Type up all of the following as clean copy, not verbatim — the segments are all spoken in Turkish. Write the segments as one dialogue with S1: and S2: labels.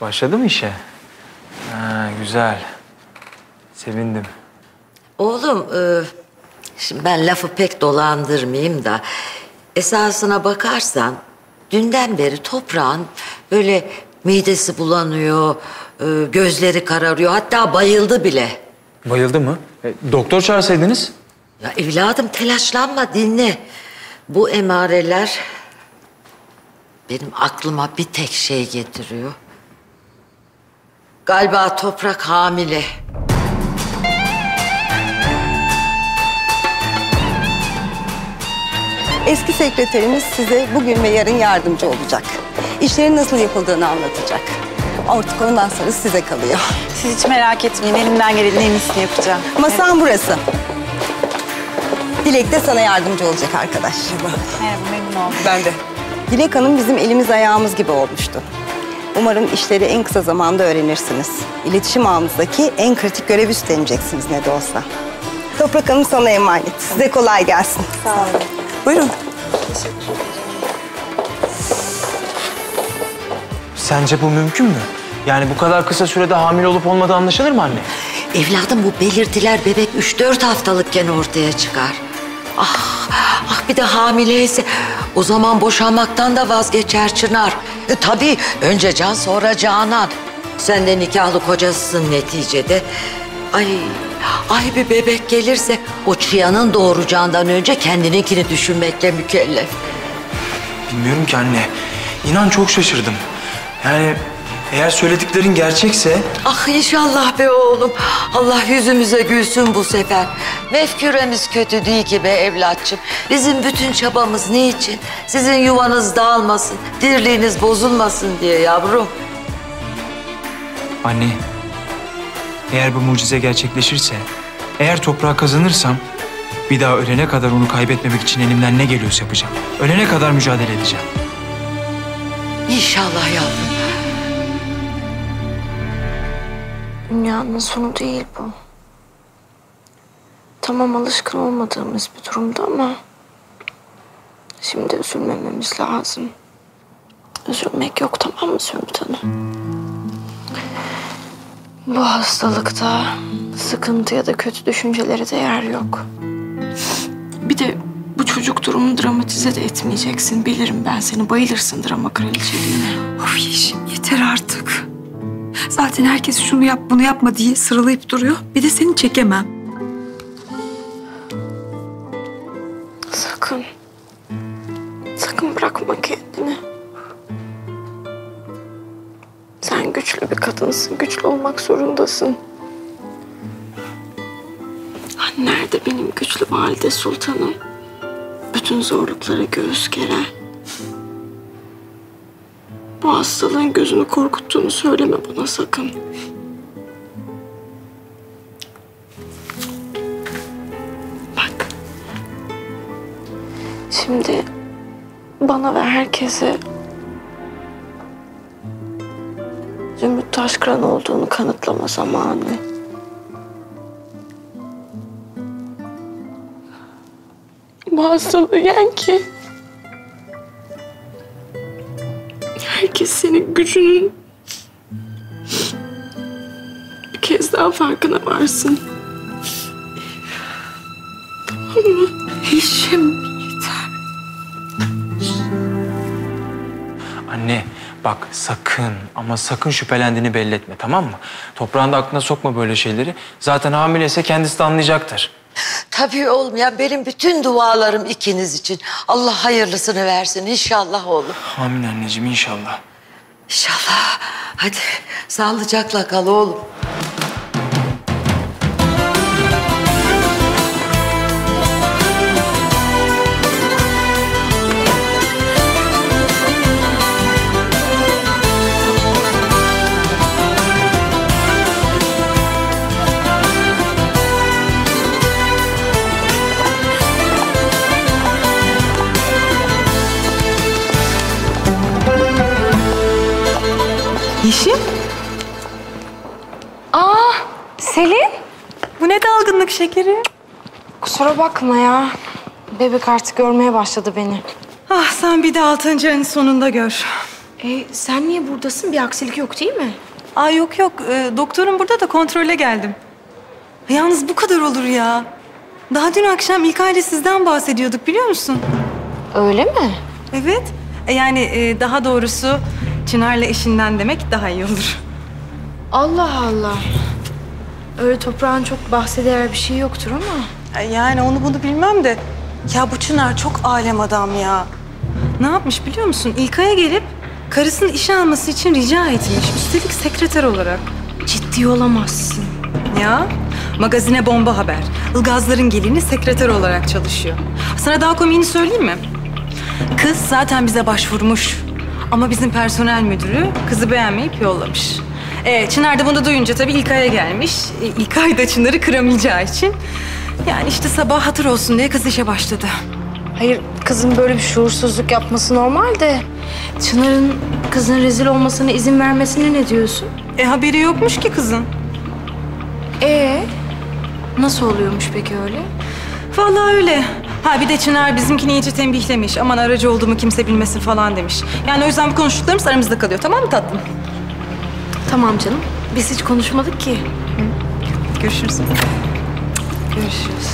S1: Başladı mı işe? Ha, güzel. Sevindim.
S2: Oğlum, şimdi ben lafı pek dolandırmayayım da... esasına bakarsan dünden beri toprağın böyle midesi bulanıyor, gözleri kararıyor, hatta bayıldı bile.
S1: Bayıldı mı? Doktor çağırsaydınız.
S2: Ya evladım telaşlanma, dinle. Bu emareler benim aklıma bir tek şey getiriyor. Galiba Toprak hamile.
S3: Eski sekreterimiz size bugün ve yarın yardımcı olacak. İşlerin nasıl yapıldığını anlatacak. Artık ondan sonra size kalıyor.
S4: Siz hiç merak etmeyin. Elimden gelenin en iyisini yapacağım.
S3: Masam burası. Dilek de sana yardımcı olacak arkadaş.
S4: Merhaba, memnun oldum.
S3: Ben de. Dilek Hanım bizim elimiz ayağımız gibi olmuştu. Umarım işleri en kısa zamanda öğrenirsiniz. İletişim ağımızdaki en kritik görev üstleneceksiniz ne de olsa. Toprak Hanım sana emanet. Size kolay gelsin.
S4: Sağ olun.
S3: Buyurun.
S1: Sence bu mümkün mü? Yani bu kadar kısa sürede hamile olup olmadığı anlaşılır mı anne?
S2: Evladım bu belirtiler bebek 3-4 haftalıkken ortaya çıkar. Ah bir de hamileyse o zaman boşanmaktan da vazgeçer Çınar. Tabii önce Can sonra Canan. Sen de nikahlı kocasısın neticede. Ay bir bebek gelirse o çıyanın doğuracağından önce kendininkini düşünmekle mükellef.
S1: Bilmiyorum ki anne. İnan çok şaşırdım. Yani eğer söylediklerin gerçekse...
S2: Ah inşallah be oğlum. Allah yüzümüze gülsün bu sefer. Mefküremiz kötü değil ki be evlatçım. Bizim bütün çabamız niçin? Sizin yuvanız dağılmasın, dirliğiniz bozulmasın diye yavrum.
S1: Anne, eğer bu mucize gerçekleşirse, eğer toprağı kazanırsam... bir daha ölene kadar onu kaybetmemek için elimden ne geliyorsa yapacağım. Ölene kadar mücadele edeceğim.
S2: İnşallah yavrum.
S5: Dünyanın sonu değil bu. Tamam alışkın olmadığımız bir durumda ama... şimdi üzülmememiz lazım. Üzülmek yok, tamam mı Zümrüt Hanım? Bu hastalıkta sıkıntı ya da kötü düşüncelere de yer yok. Bir de bu çocuk durumunu dramatize de etmeyeceksin. Bilirim ben seni, bayılırsın drama kraliçeliğine.
S6: Of Yeşim yeter artık. Zaten herkes şunu yap bunu yapma diye sıralayıp duruyor. Bir de seni çekemem.
S5: Sakın. Sakın bırakma kendini. Sen güçlü bir kadınsın. Güçlü olmak zorundasın. Hani nerede benim güçlü valide sultanım? Bütün zorluklara göğüs geren. Bu hastalığın gözünü korkuttuğunu söyleme bana sakın. Bak. Şimdi bana ve herkese Zümrüt Taşkıran olduğunu kanıtlama zamanı. Bu hastalığı yen ki herkes senin gücünün bir kez daha farkına varsın. Tamam mı?
S6: Yeşim yeter.
S1: Anne bak sakın ama sakın şüphelendiğini belli etme, tamam mı? Toprağın da aklına sokma böyle şeyleri. Zaten hamileyse kendisi de anlayacaktır.
S2: Tabii oğlum ya, benim bütün dualarım ikiniz için. Allah hayırlısını versin inşallah oğlum.
S1: Amin anneciğim, inşallah.
S2: İnşallah. Hadi sağlıcakla kal oğlum.
S6: Yeşim?
S5: Selin?
S6: Bu ne dalgınlık şekeri?
S5: Kusura bakma ya. Bebek artık görmeye başladı beni.
S6: Ah sen bir de 6. ayın sonunda gör.
S5: Sen niye buradasın? Bir aksilik yok değil mi?
S6: Aa yok yok. Doktorum burada da kontrole geldim. Yalnız bu kadar olur ya. Daha dün akşam İlkay ile sizden bahsediyorduk biliyor musun?
S5: Öyle mi?
S6: Evet. Yani daha doğrusu Çınar'la eşinden demek daha iyi olur.
S5: Allah Allah. Öyle toprağın çok bahseder bir şey yoktur ama.
S6: Yani onu bunu bilmem de. Ya bu Çınar çok alem adam ya. Ne yapmış biliyor musun? İlkay'a gelip karısının işe alması için rica etmiş. Üstelik sekreter olarak.
S5: Ciddi olamazsın.
S6: Ya magazine bomba haber. Ilgazların gelini sekreter olarak çalışıyor. Sana daha komiğini söyleyeyim mi? Kız zaten bize başvurmuş. Ama bizim personel müdürü kızı beğenmeyip yollamış. Çınar da bunu duyunca tabii İlkay'a gelmiş. İlkay da Çınar'ı kıramayacağı için. Yani işte sabah hatır olsun diye kız işe başladı.
S5: Hayır, kızın böyle bir şuursuzluk yapması normal de... Çınar'ın kızın rezil olmasına izin vermesine ne diyorsun?
S6: Haberi yokmuş ki kızın.
S5: Nasıl oluyormuş peki öyle?
S6: Vallahi öyle. Ha bir de Çınar bizimkini iyice tembihlemiş. Aman aracı olduğumu kimse bilmesin falan demiş. Yani o yüzden bu konuştuklarımız aramızda kalıyor. Tamam mı tatlım?
S5: Tamam canım. Biz hiç konuşmadık ki.
S6: Görüşürüz.
S5: Görüşürüz.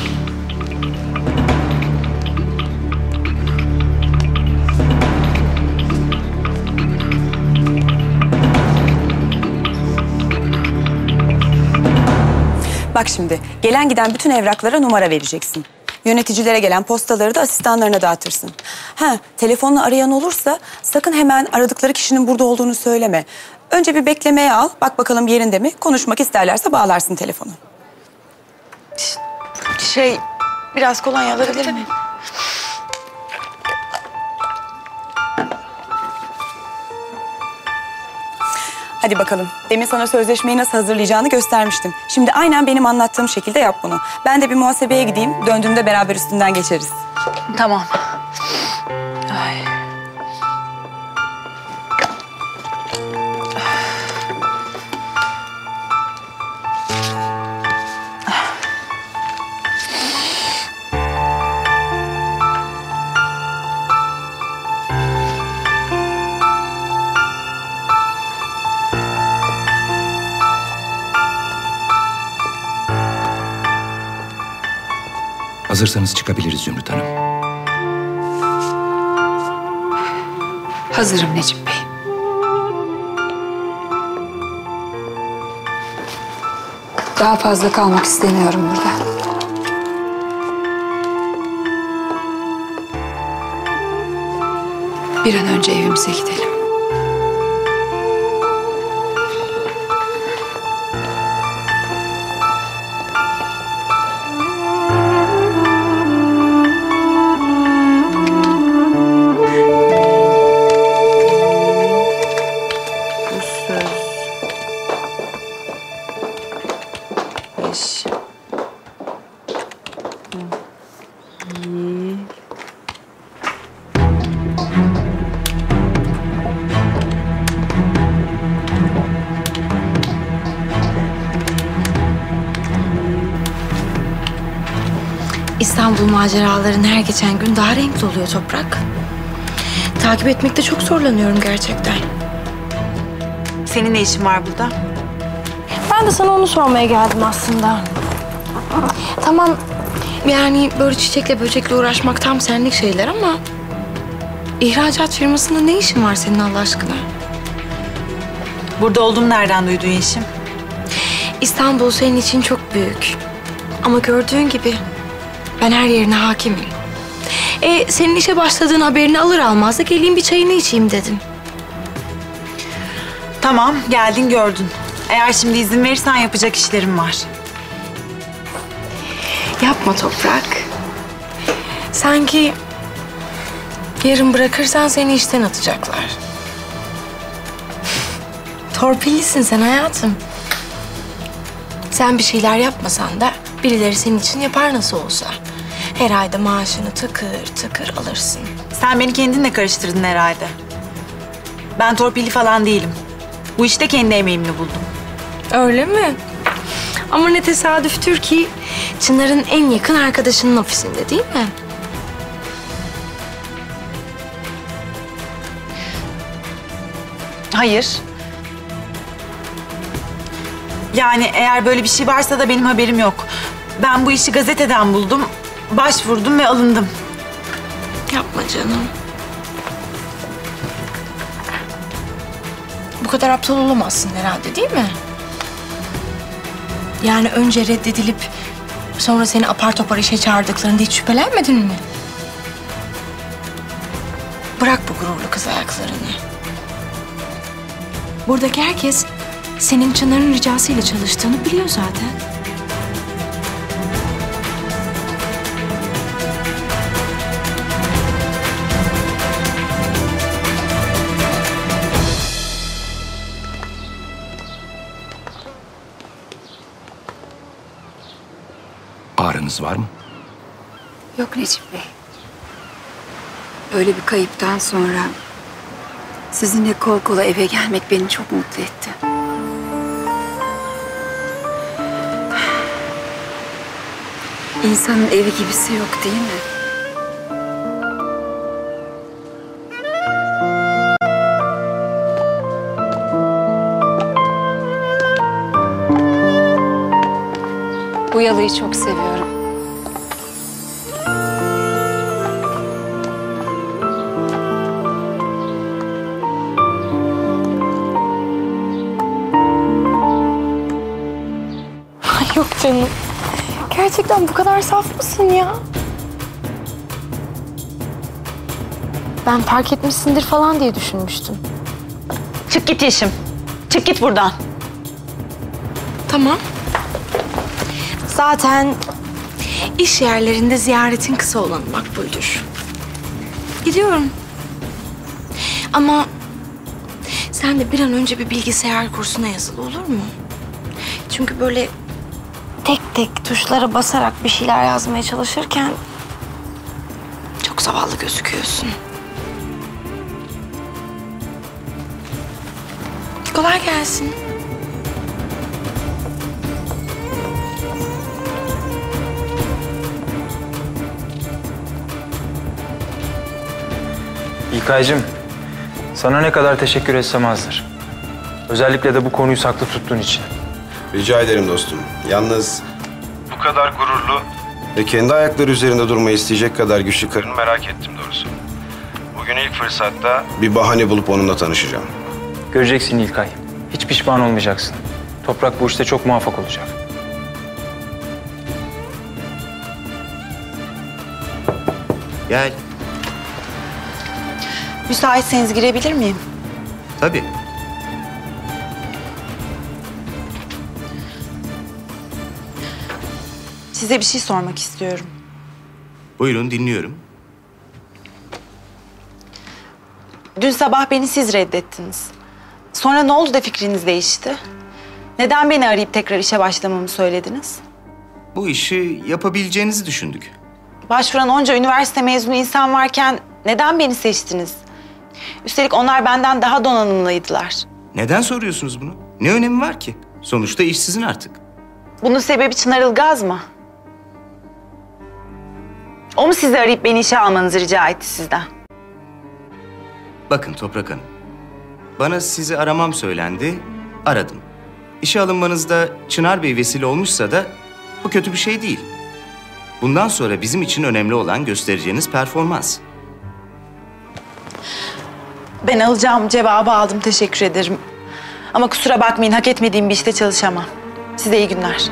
S7: Bak şimdi, gelen giden bütün evraklara numara vereceksin. Yöneticilere gelen postaları da asistanlarına dağıtırsın. Telefonla arayan olursa sakın hemen aradıkları kişinin burada olduğunu söyleme. Önce bir beklemeye al, bak bakalım yerinde mi? Konuşmak isterlerse bağlarsın telefonu.
S5: Biraz kolonya alabilir miyim?
S7: Hadi bakalım. Demin sana sözleşmeyi nasıl hazırlayacağını göstermiştim. Şimdi aynen benim anlattığım şekilde yap bunu. Ben de bir muhasebeye gideyim. Döndüğümde beraber üstünden geçeriz.
S4: Tamam. Ay.
S8: Hazırsanız çıkabiliriz Zümrüt Hanım.
S6: Hazırım Necip Bey. Daha fazla kalmak istemiyorum burada. Bir an önce evimize gidelim.
S5: İstanbul maceraların her geçen gün daha renkli oluyor Toprak. Takip etmekte çok zorlanıyorum gerçekten.
S4: Senin ne işin var burada?
S5: Ben de sana onu sormaya geldim aslında. Tamam, yani böyle çiçekle böcekle uğraşmak tam senlik şeyler ama... ihracat firmasında ne işin var senin Allah aşkına?
S4: Burada olduğumu nereden duydun Yeşim?
S5: İstanbul senin için çok büyük. Ama gördüğün gibi ben her yerine hakimim. Senin işe başladığın haberini alır almaz da geleyim bir çayını içeyim dedim.
S4: Tamam, geldin gördün. Eğer şimdi izin verirsen yapacak işlerim var.
S5: Yapma Toprak. Sanki yarın bırakırsan seni işten atacaklar. Torpillisin sen hayatım. Sen bir şeyler yapmasan da birileri senin için yapar nasıl olsa. Her ayda maaşını tıkır tıkır alırsın.
S4: Sen beni kendinle karıştırdın herhalde. Ben torpilli falan değilim. Bu işte kendi emeğimle buldum.
S5: Öyle mi? Ama ne tesadüftür ki Çınar'ın en yakın arkadaşının ofisinde değil mi?
S4: Hayır. Yani eğer böyle bir şey varsa da benim haberim yok. Ben bu işi gazeteden buldum, başvurdum ve alındım.
S5: Yapma canım. Bu kadar aptal olamazsın herhalde, değil mi? Yani önce reddedilip sonra seni apar topar işe çağırdıklarında hiç şüphelenmedin mi? Bırak bu gururlu kız ayaklarını. Buradaki herkes senin Çınar'ın ricasıyla çalıştığını biliyor zaten.
S8: Ağrınız var mı?
S9: Yok Necip Bey. Böyle bir kayıptan sonra sizinle kol kola eve gelmek beni çok mutlu etti. İnsanın evi gibisi yok değil mi? Bu yalıyı çok seviyorum.
S5: Yok canım. Gerçekten bu kadar saf mısın ya? Ben fark etmişsindir falan diye düşünmüştüm.
S4: Çık git Yeşim. Çık git buradan.
S5: Tamam. Zaten iş yerlerinde ziyaretin kısa olan makbuldür. Gidiyorum. Ama sen de bir an önce bir bilgisayar kursuna yazıl, olur mu? Çünkü böyle tek tek tuşlara basarak bir şeyler yazmaya çalışırken çok zavallı gözüküyorsun. Kolay gelsin.
S1: İlkaycığım, sana ne kadar teşekkür etsem azdır. Özellikle de bu konuyu saklı tuttuğun için.
S10: Rica ederim dostum. Yalnız bu kadar gururlu ve kendi ayakları üzerinde durmayı isteyecek kadar güçlü karını merak ettim doğrusu. Bugün ilk fırsatta bir bahane bulup onunla tanışacağım.
S1: Göreceksin İlkay. Hiç pişman olmayacaksın. Toprak bu işte çok muvaffak olacak.
S10: Gel.
S4: Müsaitseniz girebilir miyim?
S10: Tabii.
S4: Size bir şey sormak istiyorum.
S10: Buyurun dinliyorum.
S4: Dün sabah beni siz reddettiniz. Sonra ne oldu da fikriniz değişti? Neden beni arayıp tekrar işe başlamamı söylediniz?
S10: Bu işi yapabileceğinizi düşündük.
S4: Başvuran onca üniversite mezunu insan varken neden beni seçtiniz? Üstelik onlar benden daha donanımlıydılar.
S10: Neden soruyorsunuz bunu? Ne önemi var ki? Sonuçta iş sizin artık.
S4: Bunun sebebi Çınar Ilgaz mı? O mu sizi arayıp beni işe almanızı rica etti sizden?
S10: Bakın Toprak Hanım. Bana sizi aramam söylendi, aradım. İşe alınmanızda Çınar Bey vesile olmuşsa da bu kötü bir şey değil. Bundan sonra bizim için önemli olan göstereceğiniz performans.
S4: Ben alacağım cevabı aldım, teşekkür ederim. Ama kusura bakmayın, hak etmediğim bir işte çalışamam. Size iyi günler.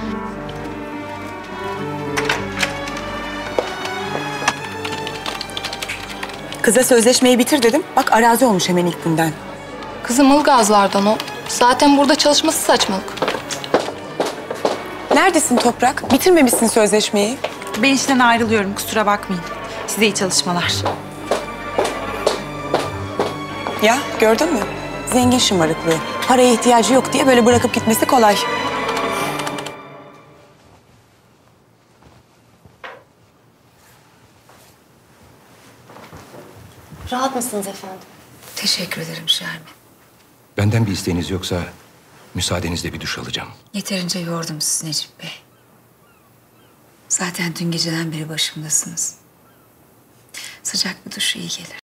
S7: Kıza sözleşmeyi bitir dedim. Bak arazi olmuş hemen ilk günden.
S5: Kızım Ilgazlardan o. Zaten burada çalışması saçmalık.
S7: Neredesin Toprak? Bitirmemişsin sözleşmeyi.
S4: Ben işten ayrılıyorum, kusura bakmayın. Size iyi çalışmalar.
S7: Ya gördün mü? Zengin şımarıklığı. Paraya ihtiyacı yok diye böyle bırakıp gitmesi kolay.
S5: Rahat mısınız efendim?
S9: Teşekkür ederim Şermin.
S8: Benden bir isteğiniz yoksa müsaadenizle bir duş alacağım.
S9: Yeterince yordum sizi Necip Bey. Zaten dün geceden beri başımdasınız. Sıcak bir duş iyi gelir.